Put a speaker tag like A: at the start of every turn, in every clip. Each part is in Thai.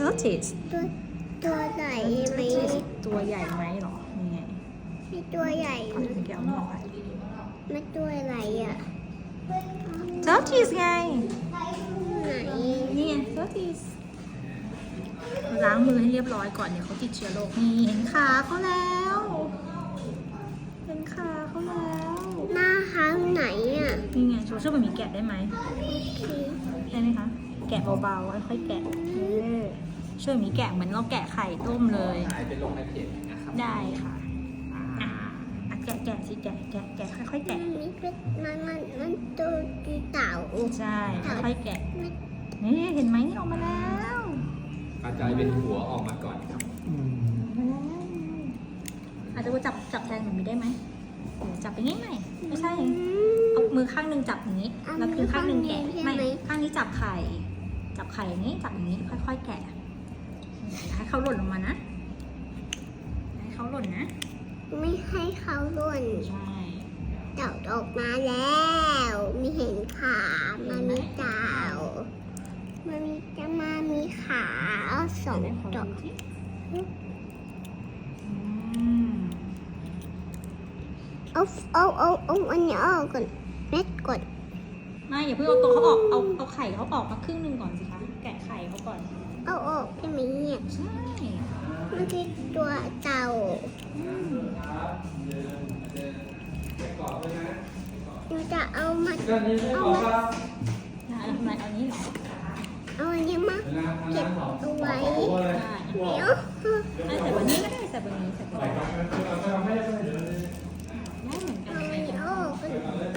A: tortoise
B: ตัวใหญ่ไหม
A: ตัวใหญ่ไหมหรอนี่ไง
B: มีตัวใหญ่
A: เอาถึงแก้วนี่ออกไป
B: มันตัวอะไรอ่ะ
A: tortoise ไง
B: ไหน
A: นี่ไง tortoise ล้างมือให้เรียบร้อยก่อนเดี๋ยวเขาติดเชื้อโรคนี่เห็นขาเขาแล้วเห็นขาเขาแล้ว
B: หน้าเขาไหนอ่ะ
A: นี่ไงช่วยแบบนี้แกะได้ไหม
B: โอเค
A: ได้ไหมคะ แกะเบาๆค่อยๆแกะช่วยแบบนี้แกะเหมือนเราแกะไข่ต้มเลย
C: หายไปลงในเพจนะครับ
A: ได้ค่ะแกะสิแกะค่อยๆแกะ
B: มันเป็นมันตัวเต่า
A: ใช่ค่อยๆแกะนี่เห็นไหมนี่ออกมาแล้ว
C: กระจายเป็นหัวออกมาก่อนครับ
A: อาจจะว่าจับแทนแบบนี้ได้ไหมเดี๋ยวจับไปง่ายๆไม่ใช่เอามือข้างหนึ่งจับอย่างนี้แล้วคือข้างหนึ่งแกะไม่ข้างนี้จับไข่อย่างนี้จับอย่างนี้ค่อยๆแกะให้เขาหล่นลงมานะให้เขาหล่นนะ
B: ไม่ให้เขาล่น
A: ใช่
B: เต่าออกมาแล้วมีเห็นขามันมีเต่ามันมีขาสองดอกเอาอันนี้ออกก่อนเม็ดก่อน
A: ไม่อย่าเพิ่งเอาตัวเขาออกเอาไข่เขาออกมาครึ่งหนึ่งก่อนสิคะแกะไข่เขาก่อน
B: เอาออกใช่ไหมเนี่ย
A: ใช่
B: มันคือตัวเต่าเราจะเอามา
A: ทำไมเอานี้เหรอ
B: เอาอันนี้มาเก็บเอาไว้
A: ได้
B: เดี๋ยว
A: ใส่บนนี้ก็ได้ใส่บนนี้ได้เหมือนกั
B: เอา
A: น
B: อันนี้ออกก่อน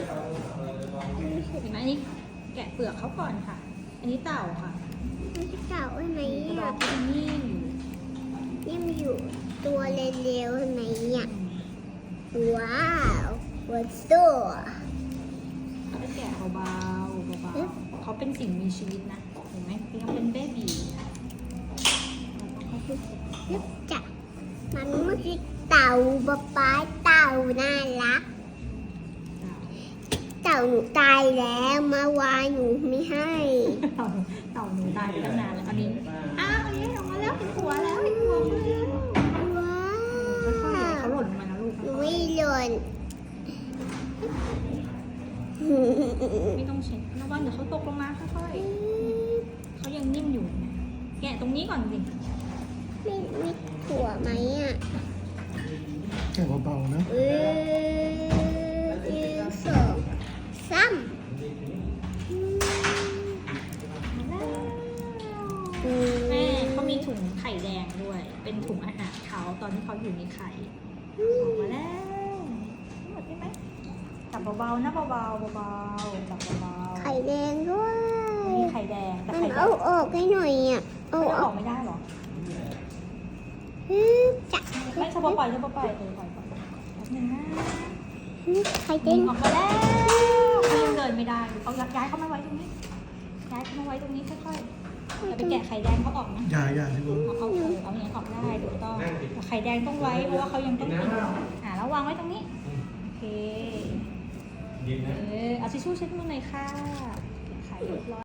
A: เห็นไหมอันนี้แกะเปลือกเขาก่อนค่ะ อันนี้เต่าค่ะ
B: มันจะเต่าใช่ไหม
A: กระ
B: เนี่ย
A: ดอกเป็นนิ่ม
B: ยังอยู่ตัวเร็วๆใช่ไหมเนี่ยว้าววัดตัว
A: เขาจะแกะเบาๆเขาเป็นสิ่งมีชีวิตนะเห็นไหมยังเป็นเบบี
B: นึกจักมันไม่ใช่เต่าป๊าเต่าน่ารัก เต่าหนูตายแล้วมาวายหนูไม่ให้
A: เต่าหนูตายไปตั้งนานแล้วอันนี้อันนี้ออกมาแล้วเห็นหัวแล้วเห็นหัวเขาแล้ว
B: ว้า
A: ค่อยๆ
B: ว
A: เขาหล่นลงมานะลูก
B: หนูไม่หล่น
A: ไม่ต้องเช็ดระวังเดี๋ยวเขาตกลงมาค่อยๆเขายังนิ่มอยู่นะแกะตรงนี้ก่อนสิ
B: มีถั่วไหมอ่ะ
D: แค่เบาๆนะ
B: สองสาม
A: แม่เขามีถุงไข่แดงด้วย เป็นถุงอาหารเขาตอนที่เขาอยู่ในไข่ออกมาแล้วหมดได้ไหมจับเบาๆนะเบาๆเบาๆจับเบาๆ
B: ไข่แดงด้วย
A: มีไข่แดงแต่
B: มัน
A: ไข่แด
B: เอา
A: ง
B: ออกให้หน่อยอ่ะ เอา
A: เขาจะ
B: อ
A: อ
B: อ
A: อก กไม่ได้หรอ
B: จับ
A: ไม่เฉพาะปล่อยปล่อยแป๊บนึงนะ
B: ไข่แด
A: ดึ
B: ง
A: งออกมาแล้วเขายังเดินไม่ได้เอาย้ายเขามาไว้ตรงนี้ย้ายเขามาไว้ตรงนี้ค่อยๆจะไปแกะไข่แดงเขาออกนะ
D: อย่าที่บน
A: เอาอย่างนี้ออกได้ถูกต้องแต่ไข่แดงต้องไว้เพราะว่าเขายังต้องกินแล้ววางไว้ตรงนี้โอเคเอาทิชชู่เช็ดมือหน่อยค่ะไข่เรียบร้อย